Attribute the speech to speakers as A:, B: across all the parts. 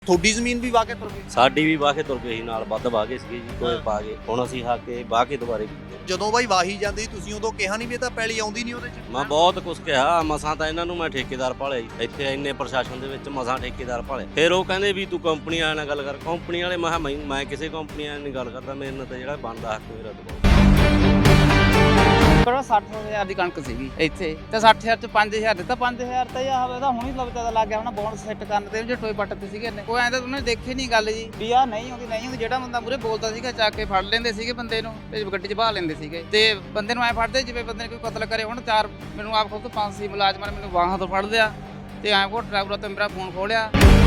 A: ਤੁਹਾਡੀ ਜ਼ਮੀਨ ਵੀ ਵਾਹ ਕੇ ਤੁਰ ਗਈ?
B: ਸਾਡੀ ਵੀ ਵਾਹ ਕੇ ਤੁਰ ਗਏ ਸੀ, ਨਾਲ ਵੱਧ ਵਾਹ ਗਏ ਸੀਗੇ ਜੀ, ਟੋਏ ਪਾ ਕੇ। ਹੁਣ ਅਸੀਂ ਹਾ ਕੇ ਵਾਹ ਕੇ ਦੁਬਾਰੇ ਕੀਤੇ।
A: ਜਦੋਂ ਬਾਈ ਵਾਹੀ ਜਾਂਦੀ ਤੁਸੀਂ ਉਦੋਂ ਕਿਹਾ ਨਹੀਂ ਵੀ ਇਹ ਤਾਂ ਪੈਲੀ ਆਉਂਦੀ ਨਹੀਂ ਉਹਦੇ ਚ?
B: ਮੈਂ ਬਹੁਤ ਕੁਛ ਕਿਹਾ, ਮਸਾਂ ਤਾਂ ਇਹਨਾਂ ਨੂੰ ਮੈਂ ਠੇਕੇਦਾਰ ਭਾਲਿਆ ਜੀ। ਇੱਥੇ ਇੰਨੇ ਪ੍ਰਸ਼ਾਸਨ ਦੇ ਵਿੱਚ ਮਸਾਂ ਠੇਕੇਦਾਰ ਭਾਲੇ। ਫਿਰ ਉਹ ਕਹਿੰਦੇ ਵੀ ਤੂੰ ਕੰਪਨੀ ਵਾਲਿਆਂ ਨਾਲ ਗੱਲ ਕਰ। ਕੰਪਨੀ ਵਾਲੇ ਮੈਂ ਕਿਸੇ ਕੰਪਨੀ ਵਾਲਿਆਂ ਨਾਲ ਗੱਲ ਕਰਦਾ, ਮੇਰੇ ਨਾਲ ਤਾਂ ਜਿਹੜਾ ਬਣਦਾ ਹੱਕ ਮੇਰਾ ਦਬਾਓ।
C: ਪਰ 60,000 ਦੀ ਕਣਕ ਸੀਗੀ ਇੱਥੇ ਤੇ 60,000 ਚ 5,000 ਦਿੱਤਾ। 5,000 ਤਾਂ ਇਹ ਹਵੇ ਤਾਂ ਹੁਣ ਹੀ ਲੱਭਦਾ ਲੱਗ ਗਿਆ ਹੁਣ ਬੋਨਸ ਸੈੱਟ ਕਰਨ ਤੇ ਜੇ ਟੋਏ ਪੱਟ ਤੇ ਸੀਗੇ ਨੇ। ਕੋਈ ਐਂ ਤਾਂ ਉਹਨੇ ਦੇਖੇ ਨਹੀਂ ਗੱਲ ਜੀ ਵੀ ਆ ਨਹੀਂ ਆਉਂਦੀ ਜਿਹੜਾ ਬੰਦਾ ਮੂਰੇ ਬੋਲਦਾ ਸੀਗਾ ਚੱਕ ਕੇ ਫੜ ਲੈਂਦੇ ਸੀਗੇ ਬੰਦੇ ਨੂੰ ਤੇ ਗੱਡੀ 'ਚ ਬਾਹ ਲੈਂਦੇ ਸੀਗੇ ਤੇ ਬੰਦੇ ਨੂੰ ਐ ਫੜਦੇ ਜਿਵੇਂ ਬੰਦੇ ਨੇ ਕੋਈ ਕਤਲ ਕਰੇ। ਹੁਣ ਚਾਰ ਮੈਨੂੰ ਆਪ ਖੁਦ 5 ਮੁਲਾਜ਼ਮਾਂ ਨੇ ਮੈਨੂੰ ਬਾਹਾਂ ਤੋਂ ਫੜ ਲਿਆ ਤੇ ਐਂ ਕੋ ਡਰਾਈਵਰ ਤੇ ਮੇਰਾ ਫੋਨ ਖੋਲਿਆ।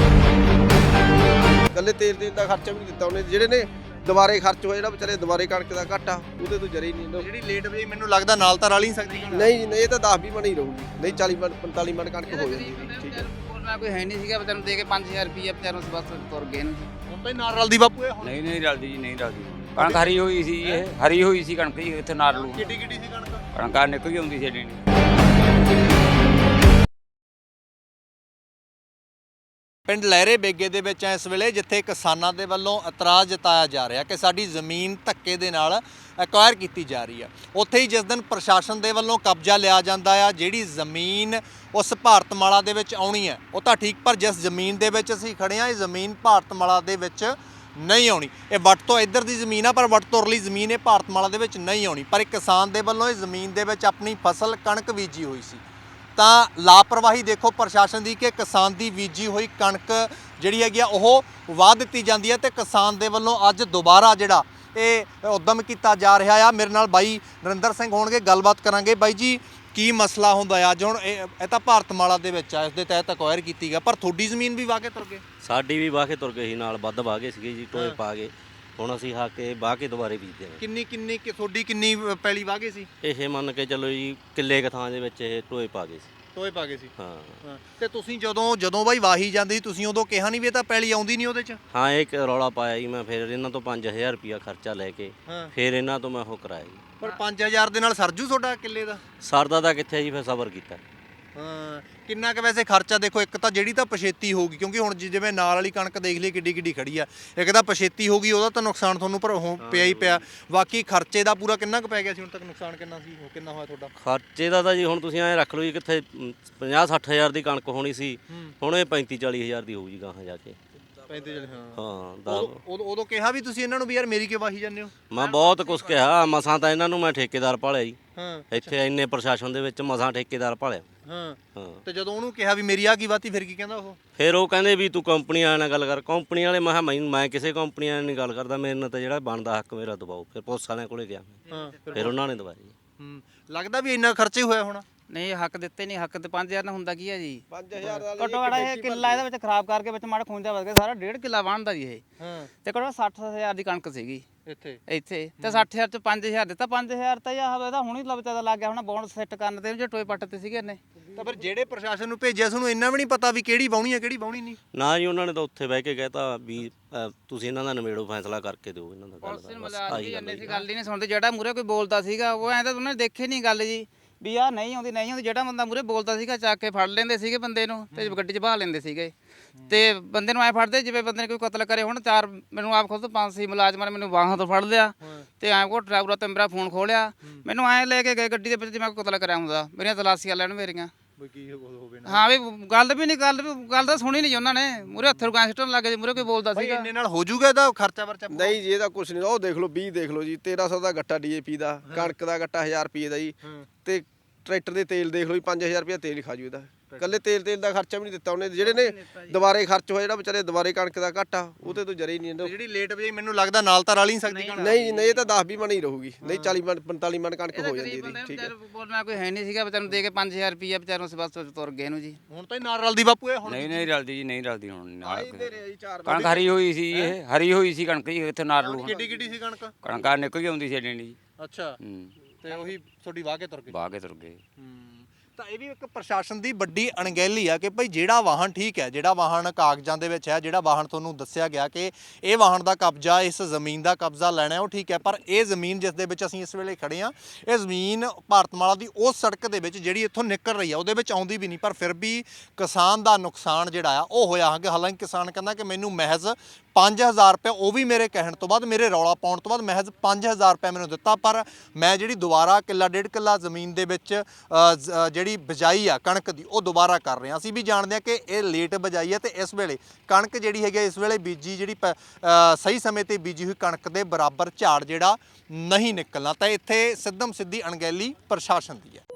D: ਕੱਲੇ ਤੇਲ ਦਾ ਖਰਚਾ ਵੀ ਨਹੀਂ ਦਿੱਤਾ ਉਹਨੇ। ਜਿਹੜੇ ਨੇ ਦੁਬਾਰੇ ਖਰਚ ਹੋਇਆ ਜਿਹੜਾ ਵਿਚਾਰੇ ਦੁਬਾਰੇ ਕਣਕ ਦਾ ਘਾਟਾ ਉਹਦੇ ਤੋਂ ਜਰੇ ਨਹੀਂ।
A: ਜਿਹੜੀ ਲੇਟ ਵਜੇ ਮੈਨੂੰ ਲੱਗਦਾ ਨਾਲ ਤਾਂ ਰਲ ਨਹੀਂ ਸਕਦੀ।
D: ਨਹੀਂ ਜੀ ਨਹੀਂ, ਇਹ ਤਾਂ 10-20 ਮਣ ਹੀ ਰਹੂਗੀ। ਨਹੀਂ 40 ਮਣ 45 ਮਣ ਕਣਕ ਹੋ ਜਾਂਦੀ। ਠੀਕ ਹੈ,
C: ਬੋਲਣਾ ਕੋਈ ਹੈ ਨਹੀਂ ਸੀਗਾ ਵਿਚਾਰੇ ਨੂੰ ਦੇ ਕੇ 5,000 ਰੁਪਏ ਵਿਚਾਰੇ ਨੂੰ ਬਸ ਤੁਰ ਗਏ ਨੇ।
A: ਹੁਣ ਤਾਂ ਹੀ ਨਾਲ ਰਲਦੀ ਬਾਪੂ ਇਹ।
E: ਨਹੀਂ ਰਲਦੀ ਜੀ, ਨਹੀਂ ਰਲਦੀ। ਕਣਕ ਹਰੀ ਹੋਈ ਸੀ, ਇਹ ਹਰੀ ਹੋਈ ਸੀ ਕਣਕ ਜੀ। ਇੱਥੇ ਨਾਰ ਲੂ
A: ਕਿੱਡੀ ਕਿੱਡੀ ਸੀ ਕਣਕ?
E: ਕਣਕਾਂ ਨਿਕਲ ਗਈ ਹੁੰਦੀ ਸੀ ਏਡੀ।
A: ਪਿੰਡ ਲਹਿਰੇ ਬੇਗੇ ਦੇ ਵਿੱਚ ਇਸ ਵੇਲੇ ਜਿੱਥੇ ਕਿਸਾਨਾਂ ਦੇ ਵੱਲੋਂ ਇਤਰਾਜ਼ ਜਤਾਇਆ ਜਾ ਰਿਹਾ ਕਿ ਸਾਡੀ ਜ਼ਮੀਨ ਧੱਕੇ ਦੇ ਨਾਲ ਐਕਵਾਇਰ ਕੀਤੀ ਜਾ ਰਹੀ ਹੈ, ਉੱਥੇ ਹੀ ਜਿਸ ਦਿਨ ਪ੍ਰਸ਼ਾਸਨ ਦੇ ਵੱਲੋਂ ਕਬਜ਼ਾ ਲਿਆ ਜਾਂਦਾ ਆ ਜਿਹੜੀ ਜ਼ਮੀਨ ਉਸ ਭਾਰਤਮਾਲਾ ਦੇ ਵਿੱਚ ਆਉਣੀ ਹੈ ਉਹ ਤਾਂ ਠੀਕ, ਪਰ ਜਿਸ ਜ਼ਮੀਨ ਦੇ ਵਿੱਚ ਅਸੀਂ ਖੜੇ ਹਾਂ ਇਹ ਜ਼ਮੀਨ ਭਾਰਤਮਾਲਾ ਦੇ ਵਿੱਚ ਨਹੀਂ ਆਉਣੀ। ਇਹ ਵੱਟ ਤੋਂ ਇੱਧਰ ਦੀ ਜ਼ਮੀਨ ਆ ਪਰ ਵੱਟ ਤੋਂ ਉਰਲੀ ਜ਼ਮੀਨ ਇਹ ਭਾਰਤਮਾਲਾ ਦੇ ਵਿੱਚ ਨਹੀਂ ਆਉਣੀ। ਪਰ ਇੱਕ ਕਿਸਾਨ ਦੇ ਵੱਲੋਂ ਇਹ ਜ਼ਮੀਨ ਦੇ ਵਿੱਚ ਆਪਣੀ ਫਸਲ ਕਣਕ ਬੀਜੀ ਹੋਈ ਸੀ ਤਾਂ ਲਾਪਰਵਾਹੀ ਦੇਖੋ ਪ੍ਰਸ਼ਾਸਨ ਦੀ ਕਿ ਕਿਸਾਨ ਦੀ ਬੀਜੀ ਹੋਈ ਕਣਕ ਜਿਹੜੀ ਹੈਗੀ ਆ ਉਹ ਵਾਹ ਦਿੱਤੀ ਜਾਂਦੀ ਹੈ ਤੇ ਕਿਸਾਨ ਦੇ ਵੱਲੋਂ ਅੱਜ ਦੁਬਾਰਾ ਜਿਹੜਾ ਇਹ ਉਦਮ ਕੀਤਾ ਜਾ ਰਿਹਾ ਆ। ਮੇਰੇ ਨਾਲ ਬਾਈ ਨਰਿੰਦਰ ਸਿੰਘ ਹੋਣਗੇ, ਗੱਲਬਾਤ ਕਰਾਂਗੇ। ਬਾਈ ਜੀ ਕੀ ਮਸਲਾ ਹੁੰਦਾ ਆ ਅੱਜ? ਹੁਣ ਇਹ ਤਾਂ ਭਾਰਤਮਾਲਾ ਦੇ ਵਿੱਚ ਆ, ਇਸ ਦੇ ਤਹਿਤ ਅਕਵਾਇਰ ਕੀਤੀ ਗਿਆ, ਪਰ ਤੁਹਾਡੀ ਜ਼ਮੀਨ ਵੀ ਵਾਹ ਕੇ ਤੁਰ ਗਏ?
B: ਸਾਡੀ ਵੀ ਵਾਹ ਕੇ ਤੁਰ ਗਏ ਸੀ, ਨਾਲ ਵੱਧ ਵਾਹ ਗਏ ਸੀਗੇ ਜੀ, ਟੋਏ ਪਾ ਕੇ। ਹੁਣ ਅਸੀਂ ਹਾ ਕੇ ਵਾਹ ਕੇ ਦੁਬਾਰੇ ਬੀਜਦੇ ਹਾਂ।
A: ਕਿੰਨੀ ਤੁਹਾਡੀ ਕਿੰਨੀ ਪੈਲੀ ਵਾਹ ਗਏ ਸੀ?
B: ਇਹ ਮੰਨ ਕੇ ਚੱਲੋ ਜੀ ਕਿੱਲੇ ਕੁ ਥਾਂ ਦੇ ਵਿੱਚ ਇਹ ਟੋਏ ਪਾ ਗਏ ਸੀ।
A: ਟੋਏ ਪਾ ਗਏ ਸੀ?
B: ਹਾਂ।
A: ਤੇ ਤੁਸੀਂ ਜਦੋਂ ਬਾਈ ਵਾਹੀ ਜਾਂਦੀ ਤੁਸੀਂ ਉਦੋਂ ਕਿਹਾ ਨਹੀਂ ਵੀ ਇਹ ਤਾਂ ਪੈਲੀ ਆਉਂਦੀ ਨਹੀਂ ਉਹਦੇ ਚ?
B: ਹਾਂ, ਇੱਕ ਰੌਲਾ ਪਾਇਆ ਜੀ ਮੈਂ। ਫਿਰ ਇਹਨਾਂ ਤੋਂ 5,000 ਰੁਪਇਆ ਖਰਚਾ ਲੈ ਕੇ ਫਿਰ ਇਹਨਾਂ ਤੋਂ ਮੈਂ ਉਹ ਕਰਾਇਆ ਜੀ।
A: ਪਰ 5,000 ਦੇ ਨਾਲ ਸਰਜੂ ਤੁਹਾਡਾ ਕਿੱਲੇ ਦਾ?
B: ਸਰਦਾ ਤਾਂ ਕਿੱਥੇ ਜੀ, ਫਿਰ ਸਬਰ ਕੀਤਾ।
A: ਹਾਂ, ਕਿੰਨਾ ਕੁ ਵੈਸੇ ਖਰਚਾ? ਦੇਖੋ ਇੱਕ ਤਾਂ ਜਿਹੜੀ ਤਾਂ ਪਛੇਤੀ ਹੋਊਗੀ, ਕਿਉਂਕਿ ਹੁਣ ਜਿਵੇਂ ਨਾਲ ਵਾਲੀ ਕਣਕ ਦੇਖ ਲਈ ਕਿੱਡੀ ਕਿੱਡੀ ਖੜੀ ਆ, ਇੱਕ ਤਾਂ ਪਛੇਤੀ ਹੋਊਗੀ ਉਹਦਾ ਤਾਂ ਨੁਕਸਾਨ ਤੁਹਾਨੂੰ ਪਰ ਪਿਆ ਹੀ ਪਿਆ। ਬਾਕੀ ਖਰਚੇ ਦਾ ਪੂਰਾ ਕਿੰਨਾ ਕੁ ਪੈ ਗਿਆ ਸੀ ਹੁਣ ਤੱਕ? ਨੁਕਸਾਨ ਕਿੰਨਾ ਸੀ, ਉਹ ਕਿੰਨਾ ਹੋਇਆ ਤੁਹਾਡਾ?
B: ਖਰਚੇ ਦਾ ਤਾਂ ਜੀ ਹੁਣ ਤੁਸੀਂ ਐਂ ਰੱਖ ਲਓ ਜੀ, ਕਿੱਥੇ 50-60,000 ਦੀ ਕਣਕ ਹੋਣੀ ਸੀ, ਹੁਣ ਇਹ 35-40,000 ਦੀ ਹੋਊ ਜੀ ਗਾਹਾਂ ਜਾ ਕੇ।
A: 35
B: ਹਾਂ।
A: ਉਦੋਂ ਕਿਹਾ ਵੀ ਤੁਸੀਂ ਇਹਨਾਂ ਨੂੰ ਵੀ ਯਾਰ ਮੇਰੀ ਕਿਉਂ ਵਾਹੀ ਜਾਂਦੇ ਹੋ?
B: ਮੈਂ ਬਹੁਤ ਕੁਛ ਕਿਹਾ, ਮਸਾਂ ਤਾਂ ਇਹਨਾਂ ਨੂੰ ਮੈਂ ਠੇਕੇਦਾਰ ਭਾਲਿਆ ਜੀ।
A: ਹਾਂ,
B: ਇੱਥੇ ਇੰਨੇ ਪ੍ਰਸ਼ਾਸਨ ਦੇ ਵਿੱਚ ਮਸਾਂ ਠੇਕੇਦਾਰ ਭਾਲਿਆ।
A: ਹਾਂ। ਤੇ ਜਦੋਂ ਉਹਨੂੰ ਕਿਹਾ ਵੀ ਮੇਰੀ ਆ ਕੀ ਵਾਤੀ, ਫਿਰ ਕੀ ਕਹਿੰਦਾ ਉਹ?
B: ਫਿਰ ਉਹ ਕਹਿੰਦੇ ਵੀ ਤੂੰ ਕੰਪਨੀ ਵਾਲਿਆਂ ਨਾਲ ਗੱਲ ਕਰ। ਕੰਪਨੀ ਵਾਲੇ ਮੈਂ ਕਿਸੇ ਕੰਪਨੀ ਵਾਲਿਆਂ ਨਾਲ ਗੱਲ ਕਰਦਾ, ਮੇਰੇ ਨਾਲ ਤਾਂ ਜਿਹੜਾ ਬਣਦਾ ਹੱਕ ਮੇਰਾ ਦਬਾਓ। ਫਿਰ ਪੁਲਿਸ ਵਾਲਿਆਂ ਕੋਲੇ ਗਿਆ, ਫਿਰ ਉਹਨਾਂ ਨੇ ਦਵਾਇਆ ਜੀ।
A: ਲੱਗਦਾ ਵੀ ਇੰਨਾ ਖਰਚੇ ਹੋਇਆ ਹੋਣਾ?
C: ਨਹੀਂ ਹੱਕ ਦਿੱਤੇ ਨਹੀਂ। ਹੱਕ ਤੇ 5,000 ਨਾਲ ਹੁੰਦਾ ਕੀ ਹੈ ਜੀ?
D: 5,000 ਦਾ
C: ਘੱਟੋ ਘੱਟ ਇਹ ਕਿੱਲਾ ਇਹਦੇ ਵਿੱਚ ਖਰਾਬ ਕਰਕੇ ਵਿੱਚ ਮਾੜਾ ਖੂੰਜਾ ਵੱਧ ਗਿਆ, ਸਾਰਾ 1.5 ਕਿੱਲਾ ਬਣਦਾ ਜੀ ਇਹ। ਤੇ ਘੱਟੋ 60,000 ਦੀ ਕਣਕ ਸੀਗੀ ਇੱਥੇ ਤੇ 60,000 ਚ 5,000 ਦਿੱਤਾ। 5,000 ਤਾਂ ਇਹ ਹਵੇ ਤਾਂ ਹੁਣ ਹੀ ਲੱਭਦਾ ਲੱਗ ਗਿਆ ਹੁਣ ਬੋਨਸ ਸੈੱਟ ਕਰਨ ਤੇ ਜੇ ਟੋਏ ਪੱਟ ਤੇ ਸੀਗੇ ਨੇ।
A: ਤਾਂ ਫਿਰ ਜਿਹੜੇ ਪ੍ਰਸ਼ਾਸਨ ਨੂੰ ਭੇਜਿਆ ਤੁਹਾਨੂੰ ਇੰਨਾ ਵੀ ਨਹੀਂ ਪਤਾ ਵੀ ਕਿਹੜੀ ਵਾਹੁਣੀ ਹੈ ਕਿਹੜੀ ਵਾਹੁਣੀ ਨਹੀਂ?
B: ਨਾ ਜੀ, ਉਹਨਾਂ ਨੇ ਤਾਂ ਉੱਥੇ ਬਹਿ ਕੇ ਕਹਿਤਾ ਵੀ ਤੁਸੀਂ ਇਹਨਾਂ ਦਾ ਨਿਬੇੜੋ, ਫੈਸਲਾ ਕਰਕੇ ਦਿਓ ਇਹਨਾਂ ਦਾ।
C: ਪੁਲਿਸ ਨੇ ਮਲਾਜ਼ਮ ਵੀ ਇੰਨੇ ਸੀ ਗੱਲ ਹੀ ਨਹੀਂ ਸੁਣਦੇ। ਜਿਹੜਾ ਮੂਰੇ ਕੋਈ ਬੋਲਦਾ ਸੀਗਾ ਉਹ ਐਂ ਤਾਂ ਉਹਨੇ ਦੇਖੇ ਨਹੀਂ ਗੱਲ ਜੀ ਵੀ ਆ ਨਹੀਂ ਆਉਂਦੀ ਜਿਹੜਾ ਬੰਦਾ ਮੂਰੇ ਬੋਲਦਾ ਸੀਗਾ ਚੱਕ ਕੇ ਫੜ ਲੈਂਦੇ ਸੀਗੇ ਬੰਦੇ ਨੂੰ ਤੇ ਗੱਡੀ 'ਚ ਬਾਹ ਲੈਂਦੇ ਸੀਗੇ ਤੇ ਬੰਦੇ ਨੂੰ ਐ ਫੜਦੇ ਜਿਵੇਂ ਬੰਦੇ ਨੇ ਕੋਈ ਕਤਲ ਕਰੇ। ਹੁਣ ਚਾਰ ਮੈਨੂੰ ਆਪ ਖੁਦ 5 ਮੁਲਾਜ਼ਮਾਂ ਨੇ ਮੈਨੂੰ ਬਾਹਾਂ ਤੋਂ ਫੜ ਲਿਆ ਤੇ ਐਂ ਕੋ ਡਰਾਈਵਰ ਤੇ ਮੇਰਾ ਫੋਨ ਖੋਲਿਆ। ਮੈਨੂੰ ਐਂ ਲੈ ਕੇ ਗਏ ਗੱਡੀ ਦੇ ਵਿੱਚ ਜਿਵੇਂ ਕੋਈ ਕਤਲ ਕਰਿਆ ਹੁੰਦਾ। ਮੇਰੀਆਂ ਤਲਾਸ਼ੀਆਂ ਲੈਣ ਮੇਰੀਆਂ। ਹਾਂ ਵੀ ਗੱਲ ਤਾਂ ਸੁਣੀ ਨਹੀਂ ਉਹਨਾਂ ਨੇ। ਮੂਰੇ ਹੱਥ ਰੁਕਾਂ ਸਿੱਟਣ ਲੱਗੇ ਜੀ, ਮੂਰੇ ਕੋਈ ਬੋਲਦਾ ਸੀਗਾ।
A: ਇੰਨੇ ਨਾਲ ਹੋ ਜਾਊਗਾ ਇਹਦਾ ਖਰਚਾ ਵਰਚਾ?
D: ਨਹੀਂ ਜੀ, ਇਹਦਾ ਕੁਝ ਨਹੀਂ। ਉਹ ਦੇਖ ਲਓ 20 ਦੇਖ ਲਓ ਜੀ, 1300 ਦਾ ਗੱਟਾ ਡੀਏਪੀ ਦਾ, ਕਣਕ ਦਾ ਗੱਟਾ 1000 ਰੁਪਏ ਦਾ ਜੀ। ਤੇ ਟਰੈਕਟਰ ਦੇ ਤੇਲ ਦੇਖ ਲਓ ਜੀ, 5,000 ਰੁਪਏ ਤੇਲ ਹੀ ਖਾ ਜੂ ਇਹਦਾ। ਕੱਲੇ ਤੇਲ ਦਾ ਖਰਚਾ ਵੀ ਨਹੀਂ ਦਿੱਤਾ ਉਹਨੇ। ਜਿਹੜੇ ਨੇ ਦੁਬਾਰੇ ਖਰਚ ਹੋਇਆ ਜਿਹੜਾ ਵਿਚਾਰੇ ਦੁਬਾਰੇ ਕਣਕ ਦਾ ਘਾਟਾ ਉਹਦੇ ਤੋਂ ਜਰੇ ਨਹੀਂ।
A: ਜਿਹੜੀ ਲੇਟ ਵਜੇ ਮੈਨੂੰ ਲੱਗਦਾ ਨਾਲ ਤਾਂ ਰਲ ਨਹੀਂ ਸਕਦੀ।
D: ਨਹੀਂ ਜੀ ਨਹੀਂ, ਇਹ ਤਾਂ 10-20 ਮਣ ਹੀ ਰਹੂਗੀ। ਨਹੀਂ 40 ਮਣ 45 ਮਣ ਕਣਕ ਹੋ ਜਾਂਦੀ ਇਹਦੀ। ਠੀਕ ਹੈ,
C: ਬੋਲਣਾ ਕੋਈ ਹੈ ਨਹੀਂ ਸੀਗਾ ਵਿਚਾਰੇ ਨੂੰ ਦੇ ਕੇ 5,000 ਰੁਪਏ ਵਿਚਾਰੇ ਨੂੰ ਬਸ ਤੁਰ ਗਏ ਨੂੰ ਜੀ।
A: ਹੁਣ ਤਾਂ ਹੀ ਨਾਲ ਰਲਦੀ ਬਾਪੂ ਇਹ। ਹੁਣ
E: ਨਹੀਂ ਰਲਦੀ ਜੀ, ਨਹੀਂ ਰਲਦੀ ਹੁਣ ਨਾਲ।
D: ਕਣਕ
E: ਹਰੀ ਹੋਈ ਸੀ, ਇਹ ਹਰੀ ਹੋਈ ਸੀ ਕਣਕ ਜੀ। ਇੱਥੇ ਨਾਰ ਲੂ
A: ਕਿੱਡੀ ਕਿੱਡੀ ਸੀ ਕਣਕ?
E: ਕਣਕਾਂ ਨਿਕਲ ਗਈ ਹੁੰਦੀ ਸੀ ਏਡੀ ਜੀ।
A: ਅੱਛਾ, ਤੇ ਉਹੀ ਤੁਹਾਡੀ ਵਾਹ ਕੇ ਤੁਰ ਗਏ?
E: ਵਾਹ ਕੇ ਤੁਰ ਗਏ।
A: ਤਾਂ ਇਹ ਵੀ ਇੱਕ ਪ੍ਰਸ਼ਾਸਨ ਦੀ ਵੱਡੀ ਅਣਗਹਿਲੀ ਆ ਕਿ ਭਾਈ ਜਿਹੜਾ ਵਾਹਨ ਠੀਕ ਹੈ, ਜਿਹੜਾ ਵਾਹਨ ਕਾਗਜ਼ਾਂ ਦੇ ਵਿੱਚ ਹੈ, ਜਿਹੜਾ ਵਾਹਨ ਤੁਹਾਨੂੰ ਦੱਸਿਆ ਗਿਆ ਕਿ ਇਹ ਵਾਹਨ ਦਾ ਕਬਜ਼ਾ, ਇਸ ਜ਼ਮੀਨ ਦਾ ਕਬਜ਼ਾ ਲੈਣਾ ਉਹ ਠੀਕ ਹੈ, ਪਰ ਇਹ ਜ਼ਮੀਨ ਜਿਸ ਦੇ ਵਿੱਚ ਅਸੀਂ ਇਸ ਵੇਲੇ ਖੜੇ ਹਾਂ, ਇਹ ਜ਼ਮੀਨ ਭਾਰਤਮਾਲਾ ਦੀ ਉਸ ਸੜਕ ਦੇ ਵਿੱਚ ਜਿਹੜੀ ਇੱਥੋਂ ਨਿਕਲ ਰਹੀ ਆ ਉਹਦੇ ਵਿੱਚ ਆਉਂਦੀ ਵੀ ਨਹੀਂ, ਪਰ ਫਿਰ ਵੀ ਕਿਸਾਨ ਦਾ ਨੁਕਸਾਨ ਜਿਹੜਾ ਆ ਉਹ ਹੋਇਆ ਹੈ। ਹਾਲਾਂਕਿ ਕਿਸਾਨ ਕਹਿੰਦਾ ਕਿ ਮੈਨੂੰ ਮਹਿਜ਼ 5000 ਰੁਪਏ, ਉਹ ਵੀ ਮੇਰੇ ਕਹਿਣ ਤੋਂ ਬਾਅਦ, ਮੇਰੇ ਰੌਲਾ ਪਾਉਣ ਤੋਂ ਬਾਅਦ ਮਹਿਜ਼ 5000 ਰੁਪਏ ਮੈਨੂੰ ਦਿੱਤਾ, ਪਰ ਮੈਂ ਜਿਹੜੀ ਦੁਬਾਰਾ ਕਿੱਲਾ ਡੇਢ ਕਿੱਲਾ ਜ਼ਮੀਨ ਦੇ ਵਿੱਚ ਜਿਹੜੀ ਬਿਜਾਈ ਆ ਕਣਕ ਦੀ ਉਹ ਦੁਬਾਰਾ ਕਰ ਰਹੇ ਹਾਂ। ਅਸੀਂ ਵੀ ਜਾਣਦੇ ਹਾਂ ਕਿ ਇਹ ਲੇਟ ਬਿਜਾਈ ਹੈ ਤੇ ਇਸ ਵੇਲੇ ਕਣਕ ਜਿਹੜੀ ਹੈਗੀ ਇਸ ਵੇਲੇ ਬੀਜੀ ਜਿਹੜੀ ਸਹੀ ਸਮੇਂ ਤੇ ਬੀਜੀ ਹੋਈ ਕਣਕ ਦੇ ਬਰਾਬਰ ਝਾੜ ਜਿਹੜਾ ਨਹੀਂ ਨਿਕਲਣਾ। ਤਾਂ ਇੱਥੇ ਸਿੱਧਮ ਸਿੱਧੀ ਅਣਗਹਿਲੀ ਪ੍ਰਸ਼ਾਸਨ ਦੀ ਹੈ।